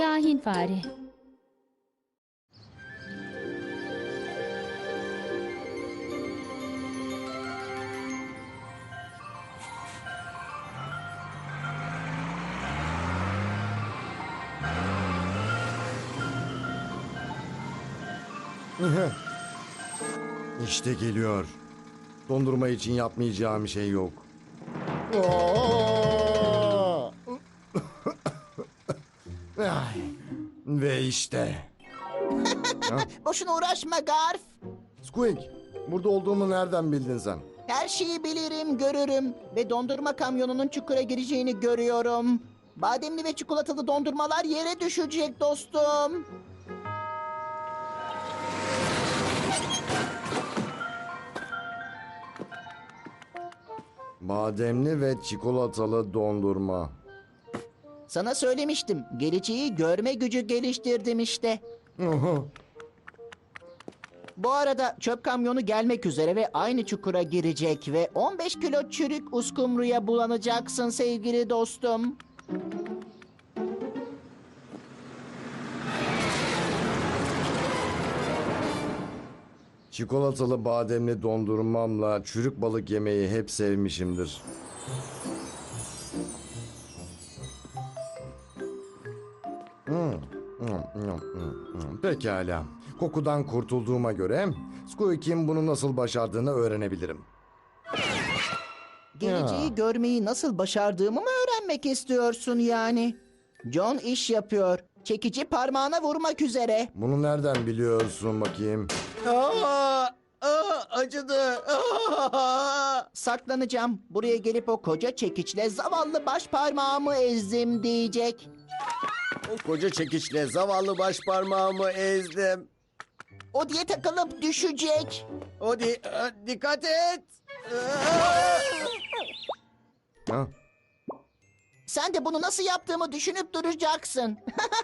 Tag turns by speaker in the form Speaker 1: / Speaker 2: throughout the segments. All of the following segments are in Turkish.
Speaker 1: Kahin fare.
Speaker 2: İşte geliyor. Dondurma için yapmayacağım şey yok. Ay, ve işte.
Speaker 3: Boşuna uğraşma Garf.
Speaker 2: Squeak, burada olduğumu nereden bildin sen?
Speaker 3: Her şeyi bilirim, görürüm. Ve dondurma kamyonunun çukura gireceğini görüyorum. Bademli ve çikolatalı dondurmalar yere düşecek dostum.
Speaker 2: Bademli ve çikolatalı dondurma.
Speaker 3: Sana söylemiştim. Geleceği görme gücü geliştirdim işte. Bu arada çöp kamyonu gelmek üzere ve aynı çukura girecek ve 15 kilo çürük uskumruya bulanacaksın sevgili dostum.
Speaker 2: Çikolatalı bademli dondurmamla çürük balık yemeyi hep sevmişimdir. Pekala. Kokudan kurtulduğuma göre Squeak'in bunu nasıl başardığını öğrenebilirim.
Speaker 3: Geleceği
Speaker 2: Ya.
Speaker 3: görmeyi nasıl başardığımı mı öğrenmek istiyorsun yani? John iş yapıyor. Çekici parmağına vurmak üzere.
Speaker 2: Bunu nereden biliyorsun bakayım?
Speaker 4: Acıdı.
Speaker 3: Saklanacağım. Buraya gelip o koca çekiçle zavallı baş parmağımı ezdim diyecek.
Speaker 4: O koca çekiçle zavallı baş parmağımı ezdim.
Speaker 3: O diye takılıp düşecek.
Speaker 4: Dikkat et.
Speaker 2: Ha?
Speaker 3: Sen de bunu nasıl yaptığımı düşünüp duracaksın.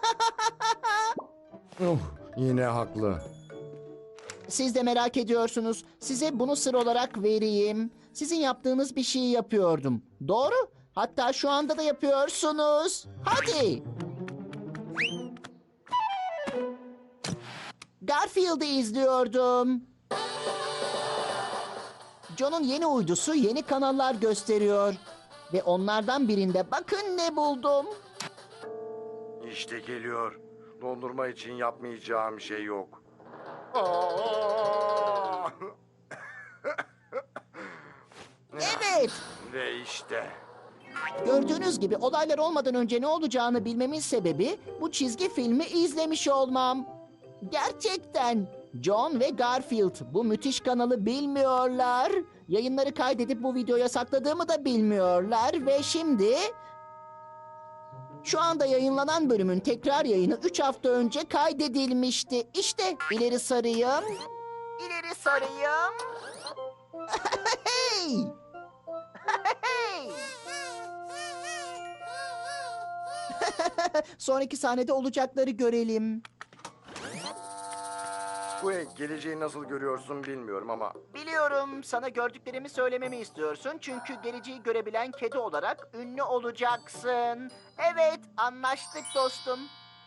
Speaker 2: Yine haklı.
Speaker 3: Siz de merak ediyorsunuz. Size bunu sır olarak vereyim. Sizin yaptığınız bir şeyi yapıyordum. Doğru. Hatta şu anda da yapıyorsunuz. Hadi. Garfield'ı izliyordum. John'un yeni uydusu yeni kanallar gösteriyor. Ve onlardan birinde bakın ne buldum.
Speaker 2: İşte geliyor. Dondurma için yapmayacağım şey yok.
Speaker 3: Evet.
Speaker 2: Ve işte.
Speaker 3: Gördüğünüz gibi olaylar olmadan önce ne olacağını bilmemin sebebi bu çizgi filmi izlemiş olmam. Gerçekten John ve Garfield bu müthiş kanalı bilmiyorlar. Yayınları kaydedip bu videoya sakladığımı da bilmiyorlar ve şimdi şu anda yayınlanan bölümün tekrar yayını 3 hafta önce kaydedilmişti. İşte ileri sarayım. İleri sarayım. Hey! Hey! Sonraki sahnede olacakları görelim.
Speaker 2: Squeak, geleceği nasıl görüyorsun bilmiyorum ama...
Speaker 3: Biliyorum sana gördüklerimi söylememi istiyorsun. Çünkü geleceği görebilen kedi olarak ünlü olacaksın. Evet, anlaştık dostum.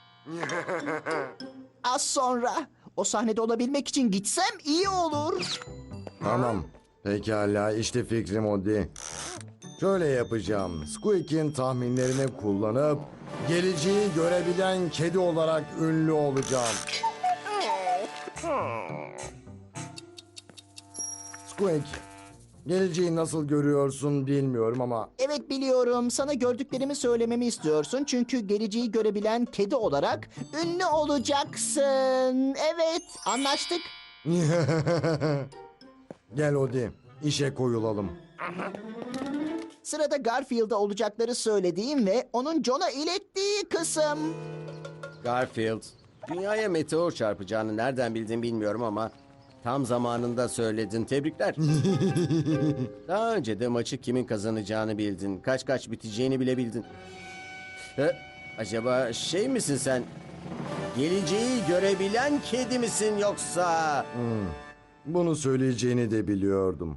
Speaker 3: Az sonra o sahnede olabilmek için gitsem iyi olur.
Speaker 2: Tamam. Pekala, işte fikrim o değil. Şöyle yapacağım. Squeak'in tahminlerini kullanıp... geleceği görebilen kedi olarak ünlü olacağım. Squeak, geleceği nasıl görüyorsun bilmiyorum ama...
Speaker 3: Evet biliyorum. Sana gördüklerimi söylememi istiyorsun. Çünkü geleceği görebilen kedi olarak ünlü olacaksın. Evet, anlaştık.
Speaker 2: Gel Odi, işe koyulalım.
Speaker 3: Sırada Garfield'a olacakları söylediğim ve onun John'a ilettiği kısım.
Speaker 4: Garfield, dünyaya meteor çarpacağını nereden bildin bilmiyorum ama tam zamanında söyledin. Tebrikler. Daha önce de maçı kimin kazanacağını bildin. Kaç biteceğini bile bildin. Acaba şey misin sen? Geleceği görebilen kedi misin yoksa?
Speaker 2: Bunu söyleyeceğini de biliyordum.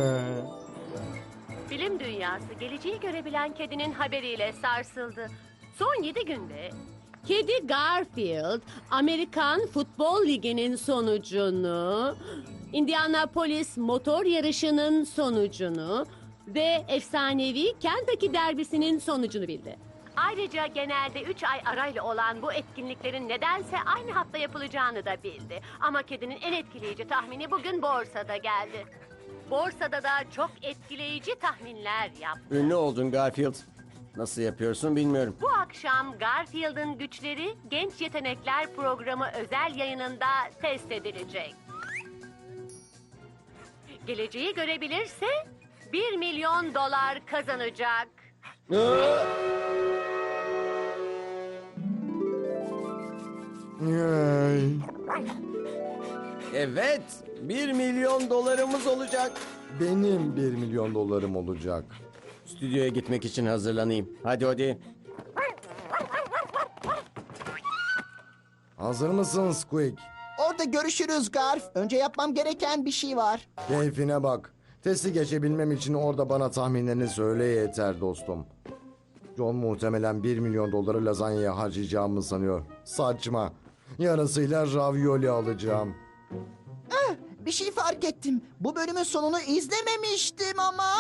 Speaker 5: Bilim dünyası geleceği görebilen kedinin haberiyle sarsıldı.
Speaker 1: Son 7 günde Kedi Garfield, Amerikan Futbol Ligi'nin sonucunu, Indianapolis motor yarışının sonucunu ve efsanevi Kentucky derbisinin sonucunu bildi. Ayrıca genelde 3 ay arayla olan bu etkinliklerin nedense aynı hafta yapılacağını da bildi. Ama kedinin en etkileyici tahmini bugün borsada geldi. Borsada da çok etkileyici tahminler yaptı.
Speaker 4: Ünlü oldun Garfield. Nasıl yapıyorsun bilmiyorum.
Speaker 1: Bu akşam Garfield'ın güçleri Genç Yetenekler Programı özel yayınında test edilecek. Geleceği görebilirse 1 milyon dolar kazanacak.
Speaker 2: Ay.
Speaker 4: Evet, 1 milyon dolarımız olacak.
Speaker 2: Benim 1 milyon dolarım olacak.
Speaker 4: Stüdyoya gitmek için hazırlanayım. Hadi.
Speaker 2: Hazır mısın Squeak?
Speaker 3: Orada görüşürüz Garf. Önce yapmam gereken bir şey var.
Speaker 2: Keyfine bak. Testi geçebilmem için orada bana tahminlerini söyle yeter dostum. John muhtemelen 1 milyon doları lazanyaya harcayacağımı sanıyor. Saçma. Yarısıyla ravioli alacağım.
Speaker 3: Bir şey fark ettim. Bu bölümün sonunu izlememiştim ama.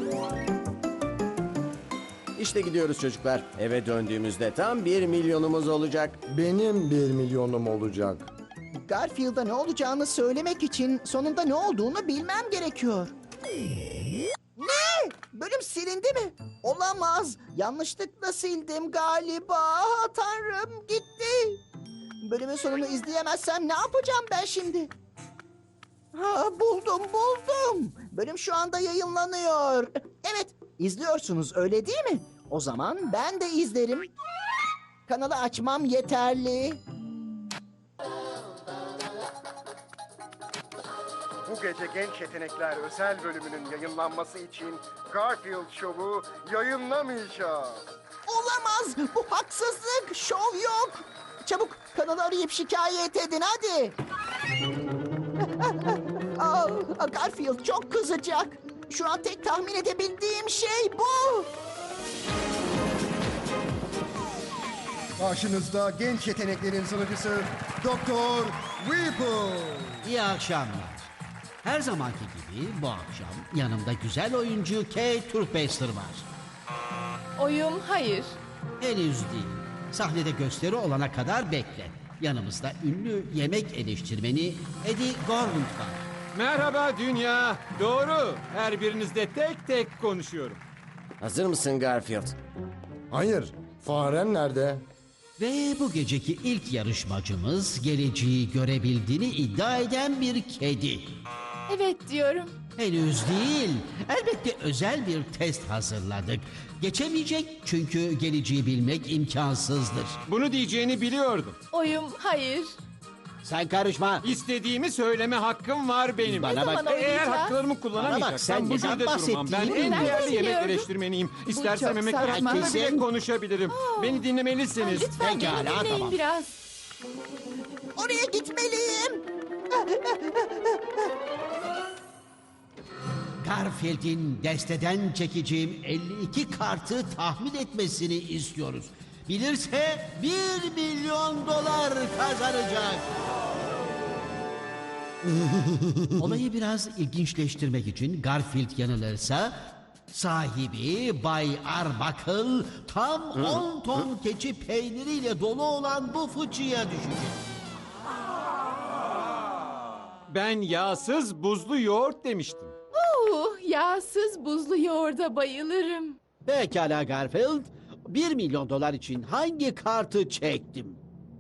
Speaker 4: İşte gidiyoruz çocuklar. Eve döndüğümüzde tam 1 milyonumuz olacak.
Speaker 2: Benim 1 milyonum olacak.
Speaker 3: Garfield'a ne olacağını söylemek için sonunda ne olduğunu bilmem gerekiyor. Ne? Bölüm silindi mi? Olamaz. Yanlışlıkla sildim galiba. Tanrım gitti. Bölümün sonunu izleyemezsem ne yapacağım ben şimdi? Ha, buldum. Bölüm şu anda yayınlanıyor. Evet, izliyorsunuz öyle değil mi? O zaman ben de izlerim. Kanalı açmam yeterli.
Speaker 5: Bu gece Genç Yetenekler özel bölümünün yayınlanması için Garfield Show'u yayınlamayacağız.
Speaker 3: Olamaz. Bu haksızlık. Şov yok. Çabuk kanalı arayıp şikayet edin hadi. Garfield çok kızacak. Şu an tek tahmin edebildiğim şey bu.
Speaker 5: Karşınızda genç yeteneklerin sunucusu Doktor Whipple.
Speaker 6: İyi akşamlar. Her zamanki gibi bu akşam yanımda güzel oyuncu Kate Turpaster var.
Speaker 7: Oyum hayır.
Speaker 6: Henüz değil. Sahnede gösteri olana kadar bekle. Yanımızda ünlü yemek eleştirmeni Eddie Gormley var.
Speaker 8: Merhaba dünya. Doğru. Her birinizle tek tek konuşuyorum.
Speaker 4: Hazır mısın Garfield?
Speaker 2: Hayır. Faren nerede?
Speaker 6: Ve bu geceki ilk yarışmacımız geleceği görebildiğini iddia eden bir kedi.
Speaker 7: Evet diyorum.
Speaker 6: Henüz değil. Elbette özel bir test hazırladık. Geçemeyecek çünkü geleceği bilmek imkansızdır.
Speaker 8: Bunu diyeceğini biliyordum.
Speaker 7: Oyum hayır.
Speaker 6: Sen karışma.
Speaker 8: İstediğimi söyleme hakkım var benim.
Speaker 6: Bana bak.
Speaker 7: zaman
Speaker 8: Eğer
Speaker 7: oynayacağız?
Speaker 8: haklarımı kullanamayacaksam
Speaker 6: sen
Speaker 8: bu
Speaker 6: neden
Speaker 8: gülde durmam. Ben
Speaker 6: bahsettiğini
Speaker 8: en
Speaker 7: ben
Speaker 8: değerli yemek
Speaker 7: bilmiyordum.
Speaker 8: eleştirmeniyim. İstersem
Speaker 7: çok
Speaker 8: yemek
Speaker 7: saçma.
Speaker 8: konusunda bile
Speaker 6: Herkesin-
Speaker 8: konuşabilirim. Beni dinlemelisiniz.
Speaker 7: Lütfen
Speaker 6: Pekala,
Speaker 7: beni dinleyin
Speaker 6: tamam.
Speaker 7: biraz.
Speaker 3: Oraya gitmeliyim.
Speaker 6: Garfield'in desteden çekeceğim 52 kartı tahmin etmesini istiyoruz. Bilirse 1 milyon dolar kazanacak. Olayı biraz ilginçleştirmek için Garfield yanılırsa sahibi Bay Arbuckle tam 10 ton keçi peyniriyle dolu olan bu fıçıya düşecek.
Speaker 8: Ben yağsız buzlu yoğurt demiştim.
Speaker 7: Yağsız buzlu yoğurda bayılırım.
Speaker 6: Pekala Garfield, 1 milyon dolar için hangi kartı çektim?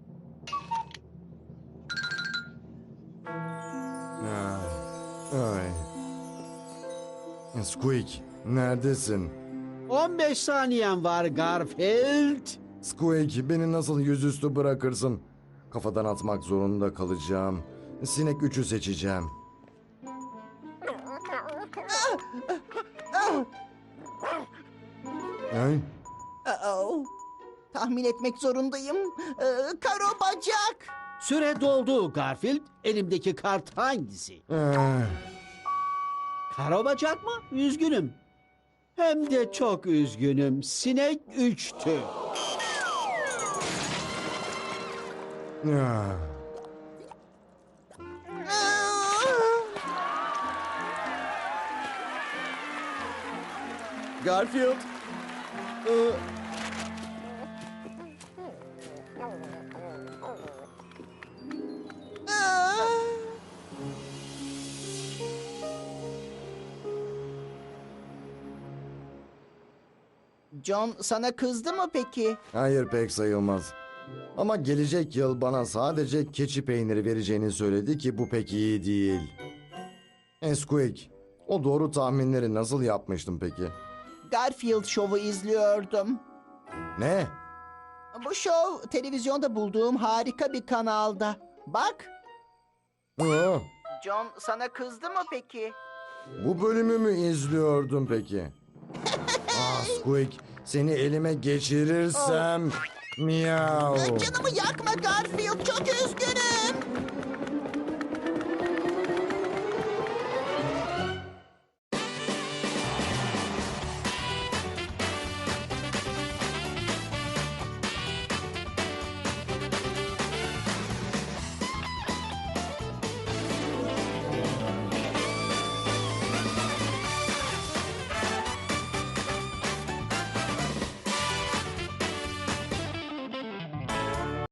Speaker 2: Ay. Squeak, neredesin?
Speaker 6: 15 saniyen var Garfield.
Speaker 2: Squeak, beni nasıl yüzüstü bırakırsın? Kafadan atmak zorunda kalacağım. Sinek 3'ü seçeceğim. Ay,
Speaker 3: Tahmin etmek zorundayım. Karo bacak.
Speaker 6: Süre doldu Garfield. Elimdeki kart hangisi? Karabacak mı? Üzgünüm. Hem de çok üzgünüm. Sinek 3'tü.
Speaker 2: Ah.
Speaker 4: Garfield.
Speaker 3: John sana kızdı mı peki?
Speaker 2: Hayır, pek sayılmaz. Ama gelecek yıl bana sadece keçi peyniri vereceğini söyledi ki bu pek iyi değil. Squeak, o doğru tahminleri nasıl yapmıştın peki?
Speaker 3: Garfield şovu izliyordum.
Speaker 2: Ne?
Speaker 3: Bu şov televizyonda bulduğum harika bir kanalda. Bak,
Speaker 2: Aa,
Speaker 3: John sana kızdı mı peki?
Speaker 2: bu bölümü mü izliyordun peki? Squeak, seni elime geçirirsem... Miau.
Speaker 3: Canımı yakma Garfield, çok üzgünüm.